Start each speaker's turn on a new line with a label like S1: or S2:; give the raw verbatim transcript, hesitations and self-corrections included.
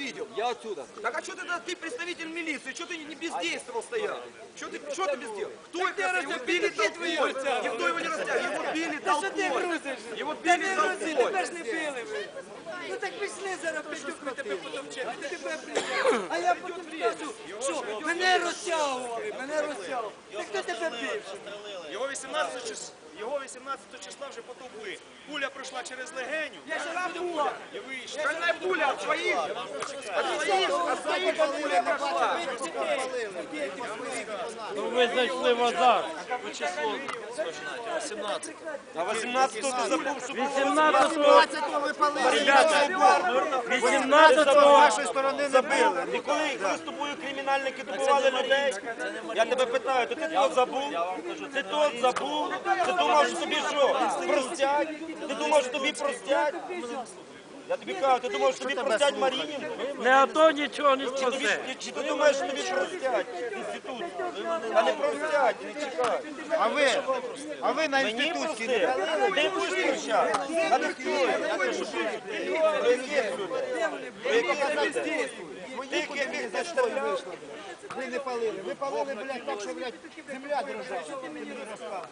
S1: видел.
S2: Я отсюда.
S1: Так а что ты, ты представитель милиции, что ты не бездействовал стоял? Что ты, что ты бездействовал? Кто это? Его били толпой. Никто его не растягивал. Его били толпой. Его били толпой.
S3: Тебе ж не били ви. Ну так пішли зараз, п'ятюк, ми тебе потовчемо, ти тебе прийняли. А я потім скажу, що мене розтягували, мене розтягували. Так хто тебе бив?
S4: Його вісімнадцятого числа, його вісімнадцятого числа вже потовкли. Пуля пройшла через легеню
S3: Я жива була.
S4: і вийшла.
S1: Шальная пуля от своих. От своих. От своих пуля пошла.
S5: Ну ви зайшли в азарт.
S2: А восемнадцатого ти забув, що
S5: вісімнадцятого, ребята, вісімнадцятого
S2: вашої сторони забили. І коли, коли з тобою кримінальники добивали людей, я тебе питаю, то ти тут забув? Ти тут забув? Ти думав, що тобі що, простять? Ти думав, що тобі простять? Я тобі кажу, ти думав, що тобі простять Марінін?
S5: не АТО нічого не
S2: Чи, тобі,
S5: спасе.
S2: чи ти думаєш, що тобі простять інститут? А не простять, не чекай.
S6: А ви, а ви на
S2: Мені
S6: інститутській
S2: прости.
S6: не палили?
S2: Ти будеш прощати? А ти хто? Я кажу, що ти? Про яких людей? Про яких людей? Тих, яких заставляв?
S6: Ви не палили. Ви палили, блядь, так, що, блядь, земля дрожала.